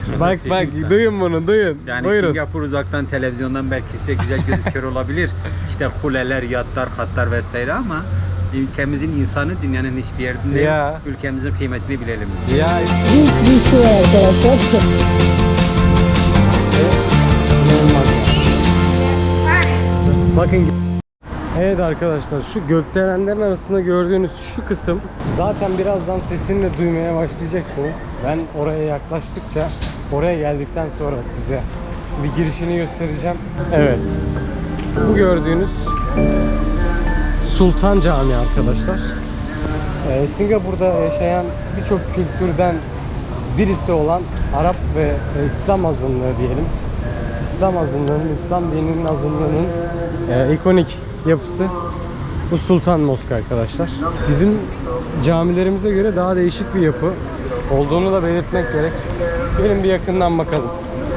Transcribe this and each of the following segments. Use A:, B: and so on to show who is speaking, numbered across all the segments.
A: Bak duyun bunu duyun.
B: Yani
A: Buyurun.
B: Singapur uzaktan televizyondan belki size güzel gözüküyor olabilir. İşte kuleler, yatlar, katlar vesaire ama ülkemizin insanı dünyanın hiçbir yerinde
A: Ya.
B: yok. Ülkemizin kıymetini bilelim.
A: Ya
C: Bir şey arkadaşlar.
A: bakın. Evet arkadaşlar, şu gökdelenlerin arasında gördüğünüz şu kısım zaten birazdan sesini de duymaya başlayacaksınız. Ben oraya yaklaştıkça, oraya geldikten sonra size bir girişini göstereceğim. Evet, bu gördüğünüz Sultan Camii arkadaşlar. Singapur'da yaşayan birçok kültürden birisi olan Arap ve İslam azınlığı diyelim. İslam azınlığının, İslam dininin azınlığının ikonik yapısı bu Sultan Mosk arkadaşlar. Bizim camilerimize göre daha değişik bir yapı olduğunu da belirtmek gerek. Gelin bir yakından bakalım.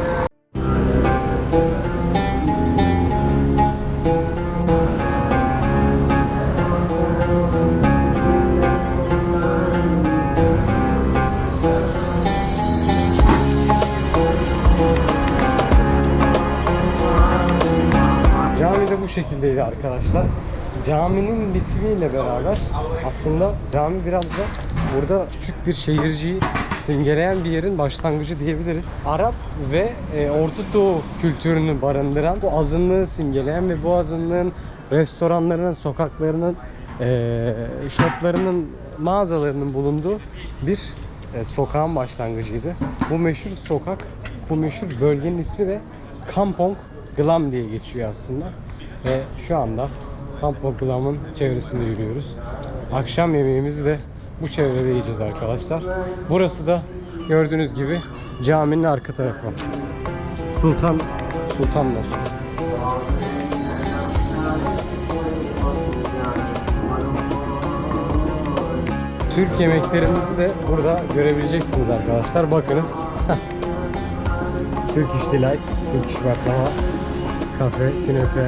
A: Cami de bu şekildeydi arkadaşlar. Caminin bitimiyle beraber aslında cami biraz da burada küçük bir şehirciyi simgeleyen bir yerin başlangıcı diyebiliriz. Arap ve Orta Doğu kültürünü barındıran, bu azınlığı simgeleyen ve bu azınlığın restoranlarının, sokaklarının, shoplarının, mağazalarının bulunduğu bir sokağın başlangıcıydı. Bu meşhur sokak, bu meşhur bölgenin ismi de Kampong Glam diye geçiyor aslında. Ve şu anda Kampong Glam'ın çevresinde yürüyoruz. Akşam yemeğimizi de bu çevrede yiyeceğiz arkadaşlar. Burası da gördüğünüz gibi caminin arka tarafı. Sultan Mosk. Türk yemeklerimizi de burada görebileceksiniz arkadaşlar. Bakınız. Turkish Delight, Turkish baklava, kafe, künefe.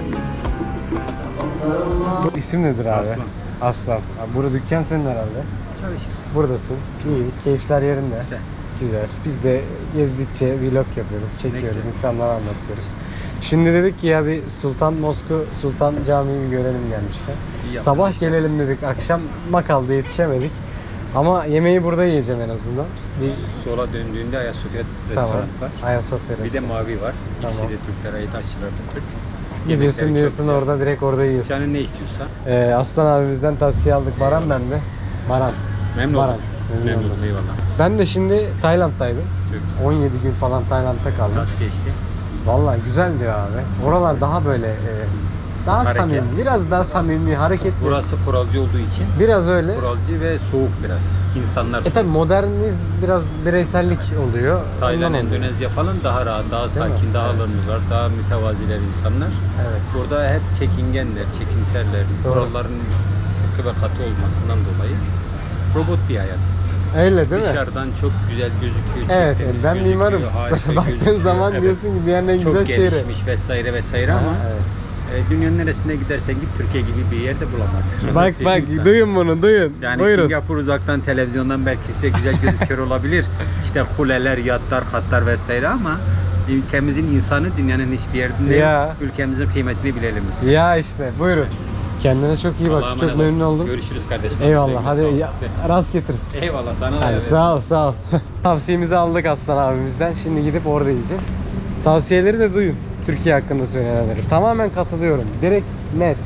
A: Bu isim nedir abi?
B: Aslan.
A: Aslan. Abi burada dükkan senin herhalde.
B: Çalışıyoruz.
A: Buradasın. İyi, keyifler yerinde.
B: Güzel.
A: Güzel. Biz de gezdikçe vlog yapıyoruz, çekiyoruz,
B: güzel.
A: insanlara anlatıyoruz. Şimdi dedik ki ya bir Sultan Mosk'u, Sultan Camii'yi bir görelim gelmişken.
B: İyi
A: Sabah
B: yapmışlar.
A: gelelim dedik, akşam makalda yetişemedik. Ama yemeği burada yiyeceğim en azından. Bir
B: Sola döndüğünde Ayasofya
A: tamam.
B: restoranı var.
A: Ayasofya
B: Bir de
A: restoranı.
B: Mavi var. İkisi
A: Tamam.
B: de Türklere ait, aşçılar da Türk.
A: Gidiyorsun
B: Yemekleri
A: diyorsun
B: çok güzel.
A: orada direkt orada yiyorsun.
B: Canın ne istiyorsa.
A: Aslan abimizden tavsiye aldık. Baran ben de. Baran.
B: Memnun
A: Baran.
B: oldum.
A: Memnun
B: Memnun
A: oldum.
B: oldum, eyvallah.
A: Ben de şimdi Tayland'daydım.
B: Çok güzel.
A: 17 gün falan Tayland'da kaldım.
B: Nasıl geçti?
A: Vallahi güzeldi abi. Oralar daha böyle daha
B: Hareket.
A: samimi, biraz daha samimi, hareketli.
B: Burası kuralcı olduğu için
A: Biraz öyle.
B: kuralcı ve soğuk biraz. İnsanlar soğuk.
A: Tabi moderniz biraz bireysellik oluyor.
B: Tayland,
A: Ondan oluyor.
B: Endonezya falan daha rahat, daha
A: Değil mi?
B: sakin, daha
A: Evet.
B: alımlılar, daha mütevaziler insanlar.
A: Evet.
B: Burada hep çekingenler, çekimserler,
A: Doğru.
B: kuralların sıkı ve katı olmasından dolayı robot bir hayat.
A: Öyle değil mi?
B: Dışarıdan çok güzel gözüküyor. çok
A: Evet,
B: temiz
A: ben
B: gözüküyor,
A: mimarım.
B: harika
A: Sana baktığın
B: gözüküyor.
A: zaman
B: Evet.
A: diyorsun ki dünyanın en
B: Çok
A: güzel şehri.
B: gelişmiş vesaire vesaire ama
A: evet.
B: dünyanın neresine gidersen git Türkiye gibi bir yerde bulamazsın.
A: Bak
B: Söyleyeyim sana.
A: duyun bunu duyun.
B: Yani
A: Buyurun.
B: Singapur uzaktan televizyondan belki size güzel gözüküyor olabilir. İşte kuleler, yatlar, katlar vesaire ama ülkemizin insanı dünyanın hiçbir yerinde
A: Ya.
B: yok. Ülkemizin kıymetini bilelim lütfen.
A: Ya işte buyurun. Kendine çok iyi bak.
B: Allah'a
A: Çok
B: emanet ol.
A: memnun oldum.
B: Görüşürüz kardeşim.
A: Eyvallah. Hadi
B: Sağ ol.
A: rast getirsin.
B: Eyvallah sana da.
A: Hadi,
B: evet.
A: sağ ol sağ ol. Tavsiyemizi aldık Aslan abimizden. Şimdi gidip orada yiyeceğiz. Tavsiyeleri de duyun. Türkiye hakkında söylenenleri. Tamamen katılıyorum. Direkt net.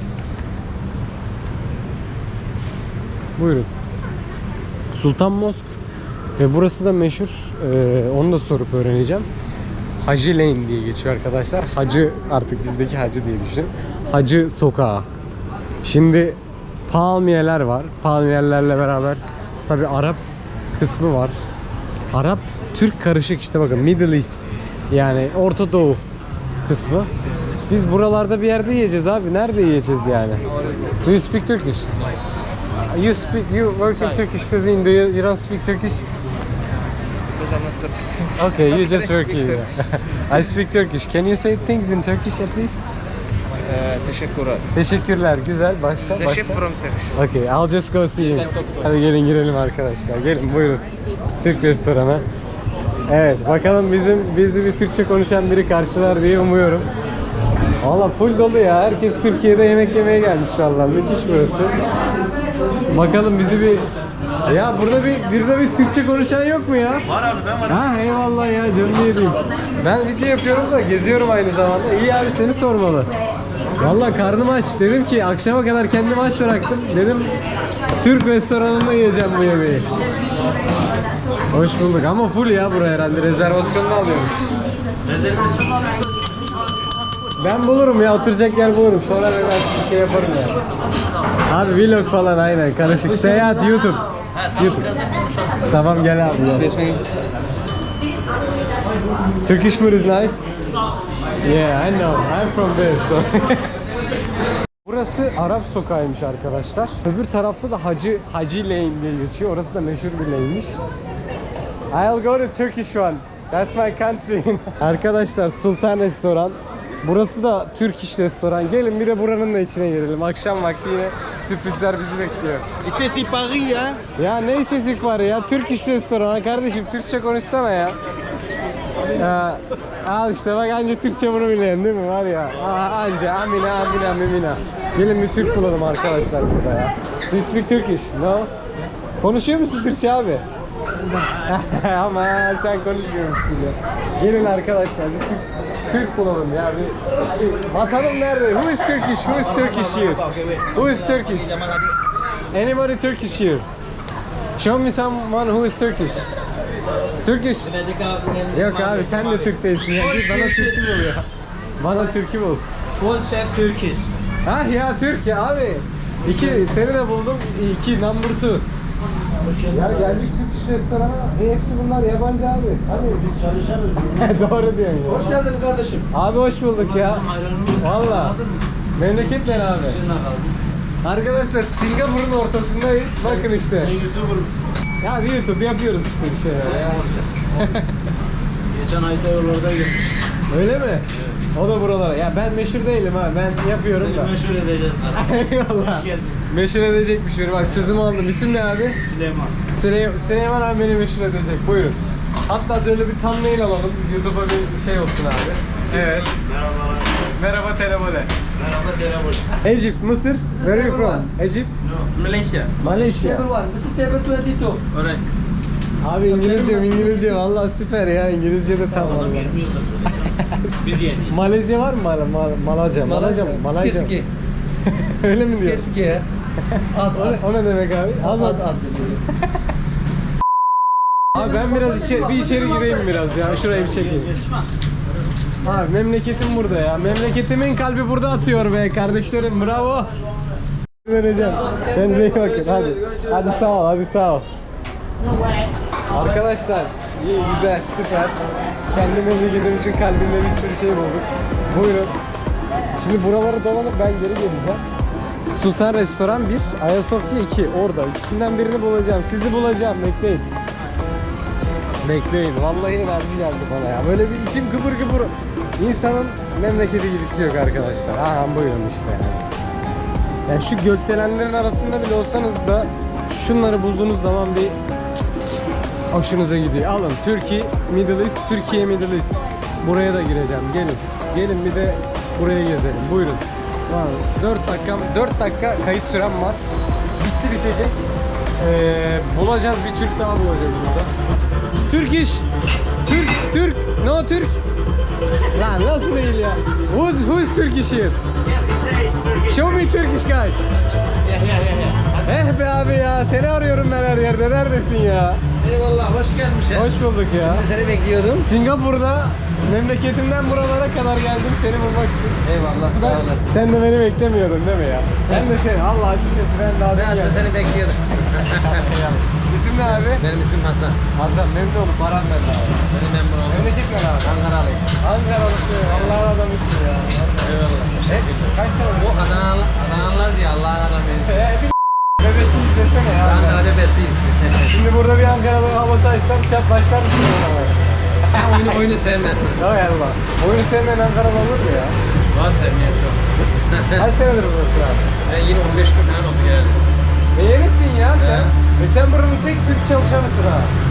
A: Buyurun. Sultan Mosk. Ve burası da meşhur. Onu da sorup öğreneceğim. Hacı Lane diye geçiyor arkadaşlar. Hacı, artık bizdeki hacı diye düşünün. Hacı sokağı. Şimdi palmiyeler var. Palmiyelerle beraber tabi Arap kısmı var. Arap Türk karışık, işte bakın Middle East. Yani Orta Doğu kısmı. Biz buralarda bir yerde yiyeceğiz abi. Nerede yiyeceğiz yani? Do you speak Turkish? You work in Turkish cuisine. You don't speak Turkish?
D: Because I'm not Turkish.
A: Okay, you
D: How
A: just
D: can I
A: work
D: speak
A: here.
D: Turkish?
A: I speak Turkish. Can you say things in Turkish at least?
D: Teşekkürler.
A: Teşekkürler. Güzel. Başka?
D: The chef from Turkish.
A: Okay, I'll just go see him.
D: can talk to him.
A: Hadi gelin girelim arkadaşlar. Gelin buyurun. Türk restoranı. Evet, bakalım bizi bir Türkçe konuşan biri karşılar diye umuyorum. Valla full dolu ya. Herkes Türkiye'de yemek yemeye gelmiş vallahi. Müthiş burası. Bakalım bizi bir... Ya burada bir Türkçe konuşan yok mu ya?
D: Var abi ben varım.
A: Ha eyvallah ya, canını yediğim. Ben video yapıyorum da geziyorum aynı zamanda. İyi abi, seni sormalı. Vallahi karnım aç. Dedim ki akşama kadar kendimi aç bıraktım. Dedim Türk restoranında yiyeceğim bu yemeği. Hoş bulduk ama full ya buraya herhalde. Rezervasyonunu alıyormuş.
D: Rezervasyon alıyoruz.
A: Ben bulurum ya, oturacak yer bulurum. Sonra ben bir şey yaparım ya. Abi vlog falan aynen karışık. Seyahat YouTube. YouTube. Tamam gel abi ya. Turkish food is nice. Yeah, I know. I'm from there, so. Burası Arap sokağıymış arkadaşlar. Öbür tarafta da Hacı Lane diye geçiyor. Orası da meşhur bir lane'miş. I'll go to Turkish one. That's my country. Arkadaşlar Sultan Restoran. Burası da Türk İş Restoran. Gelin bir de buranın da içine girelim. Akşam vakti yine sürprizler bizi bekliyor.
D: İşte Paris ya.
A: Ya ne sesik var ya? Türk İş Restoran kardeşim, Türkçe konuşsana ya. Ya al işte bak, anca Türkçe bunu bilen değil mi var ya? Anca amina mimina. Gelin bir Türk bulalım arkadaşlar burada ya. Do you speak Turkish? No? Konuşuyor musun Türkçe abi? Ama sen konuşmuyormuşsun ya. Gelin arkadaşlar bir Türk bulalım ya. Bakalım nerede? Who is Turkish? Who is Turkish here? Who is Turkish? Anybody Turkish here? Show me someone who is Turkish. Turkish. Yok abi sen de Türk değilsin ya. Git bana Türk'ü bul ya. Bana Türk'ü bul.
D: Full chef Turkish.
A: Ha ya Türk ya abi. Seni de buldum. 2 number 2. Ya geldik Türk İş restorana. Hepsi bunlar yabancı abi. Hadi biz çalışırız. Doğru diyorsun ya.
D: Hoş geldin kardeşim.
A: Abi hoş bulduk ya. Valla. Memleket ne abi? Arkadaşlar Singapur'un ortasındayız. Bakın işte. Ya bir YouTube yapıyoruz işte bir şeyler ya.
D: Geçen ayda yollarda gelmiş.
A: Öyle mi? Evet. O da buralara. Ya ben meşhur değilim ha. Ben yapıyorum da.
D: Meşhur edeceğiz.
A: Eyvallah.
D: Hoş geldin.
A: Meşhur edecekmiş biri. Bak sözümü aldım. İsim ne abi?
D: Süleyman.
A: Süleyman abi beni meşhur edecek. Buyurun. Hatta böyle bir thumbnail alalım. YouTube'a bir şey olsun abi. Evet.
D: Merhabalar.
A: Merhaba Telebole.
D: Merhaba Telebol.
A: Egypt, Mısır. Where are you from? Egypt?
D: Malaysia.
A: Malaysia.
D: This is table 22. Alright.
A: Abi İngilizce vallahi süper ya. İngilizce de tam vallahi.
D: Biz yeni.
A: Malezya var mı? Malazya mı? Malaysia. Öyle mi diyor?
D: Keski. Az.
A: O ne demek abi? Az. Abi ben biraz içeri gireyim biraz ya. Şurayı bir çekeyim. Abi memleketim burada ya. Memleketimin kalbi burada atıyor be kardeşlerim. Bravo. Vereceğim. Kendinize iyi bakın. Hadi sağ ol. Arkadaşlar iyi, güzel, süper. Kendi memleketimizin kalbinde bir sürü şey bulduk. Buyurun. Şimdi buraları dolanıp ben geri geleceğim. Sultan Restoran 1, Ayasofya 2 orada. İkisinden birini bulacağım. Sizi bulacağım. Bekleyin. Vallahi enerji geldi bana ya. Böyle bir içim kıpır kıpır. İnsanın memleketi gibisi yok arkadaşlar. Aha buyurun işte yani. Yani şu gökdelenlerin arasında bile olsanız da şunları bulduğunuz zaman bir hoşunuza gidiyor. Alın Türkiye Middle East. Buraya da gireceğim. Gelin bir de buraya gezelim. Buyurun. Var. 4 dakika kayıt sürem var. Bitecek. Bulacağız, bir Türk daha bulacağız burada. Türk. No Türk. Lan nasıl değil ya? Who is Turkish here?
D: Yes, it's Turkish.
A: Show me Turkish guy.
D: Yeah.
A: Be abi ya, seni arıyorum ben her yerde. Neredesin ya?
D: Eyvallah, hoş gelmişsin.
A: Hoş bulduk ya.
D: Ben seni bekliyordum.
A: Singapur'da memleketimden buralara kadar geldim seni bulmak için.
D: Eyvallah, sağ olun.
A: Sen de beni beklemiyordun değil mi ya? Ben de seni, Allah açıkçası ben daha
D: Ben
A: geldim.
D: seni bekliyordum.
A: İsim ne abi?
D: Benim isim Hasan.
A: Hasan, memnun oldum. Baran ben de abi.
D: Benim memnun oldum.
A: Memleket ne abi?
D: Ankaralıyım.
A: Ankaralısın. Allah'ın adamısın ya.
D: Eyvallah.
A: Kaç sene
D: Bu Adanalılar diye Allah'ın adamıyız.
A: Bebesi izlesene ya.
D: Ankara bebesiyiz.
A: Şimdi burada bir Ankaralı havası açsam çat başlar mısın ona?
D: oyunu sevmem.
A: Hay Allah. Oyunu sevmeyen Ankaralı olur mu ya?
D: Var sevmeyen çok.
A: Kaç senedir burası abi?
D: Ben yine 15 gün falan oldu geldim.
A: Yenisin ya sen. Sen buranın tek Türk çalışanısın ha.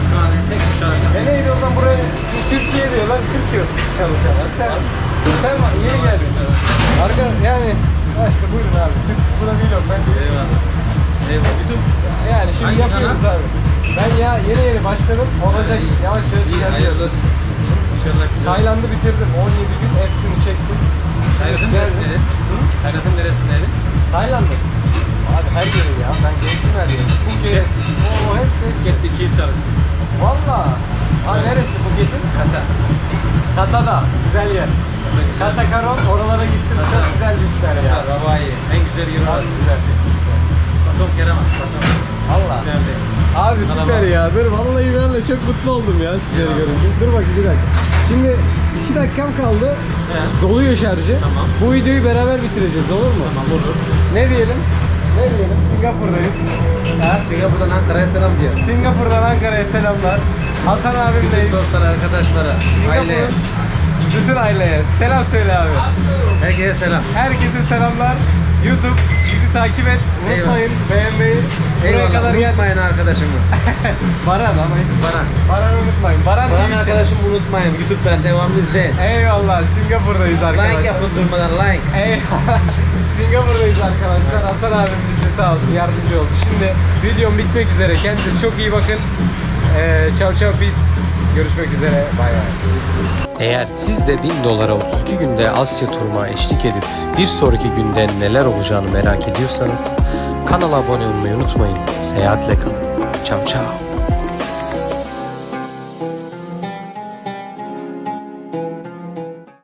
D: Şu an tek çalışan.
A: Neydi o zaman buraya Türkiye diyorlar 40 yıl çalışanlar. Sen var yeni geldin. Arka yani işte buyurun abi. Türk buna vlog ben de.
D: Eyvallah. Eyvallah. YouTube.
A: Yani şimdi
D: Hangi
A: yapıyoruz
D: kanal?
A: abi. Ben ya yeni başladım. Olacak yavaş yavaş
D: İyi, hayırlı
A: ilerliyoruz.
D: olsun. İnşallah güzel.
A: Tayland'ı bitirdim. 17 gün hepsini çektim.
D: Tayland'ın
A: Geldim.
D: neresindeydin? Tayland'ın neresindeydin?
A: Tayland'da. Abi her yeri ya. Ben gezdim her yeri. Phuket. Oo hepsi.
D: Phuket'te 2 yıl çalıştım.
A: Valla. Ha neresi Phuket'in?
D: Kata.
A: Kata'da. Güzel yer. Kata Karon oralara gittim. Çok güzel bir işler ya.
D: Hawaii. En güzel yer
A: Çok
D: orası.
A: güzel.
D: Bakalım Kerem. Bakalım.
A: Allah.
D: Güzel değil.
A: Abi
D: Merhaba.
A: süper ya. Dur vallahi ben de çok mutlu oldum ya sizleri
D: Eyvallah.
A: görünce. Dur bakayım bir dakika. Şimdi 2 dakikam kaldı.
D: He.
A: Doluyor şarjı.
D: Tamam.
A: Bu videoyu beraber bitireceğiz olur mu?
D: Tamam olur.
A: Ne diyelim? Ne diyelim? Singapur'dayız.
D: Ha, Singapur'dan Ankara'ya selam diyor.
A: Singapur'dan Ankara'ya selamlar. Hasan abimleyiz.
D: Dostlara, arkadaşlara, aileye.
A: Singapur'un bütün aileye selam söyle abi.
D: Herkese selam.
A: Herkese selamlar. YouTube bizi takip et. Unutmayın beğenmeyi. Buraya
D: Eyvallah.
A: kadar geldik.
D: Unutmayın arkadaşımı.
A: Baran ama ismi
D: Baran.
A: Baran unutmayın. Baran
D: Baran
A: TV channel.
D: arkadaşımı unutmayın. YouTube'dan devamlı izleyin.
A: Eyvallah Singapur'dayız arkadaşlar.
D: Like yapın durmadan like.
A: Eyvallah. Singapur'dayız arkadaşlar. Hasan abim bize sağ olsun yardımcı oldu. Şimdi videom bitmek üzere. Kendinize çok iyi bakın. Ciao ciao peace. Görüşmek üzere. Bay bay. Eğer siz de $1000'a 32 günde Asya turuma eşlik edip bir sonraki günde neler olacağını merak ediyorsanız kanala abone olmayı unutmayın. Seyahatle kalın. Ciao ciao.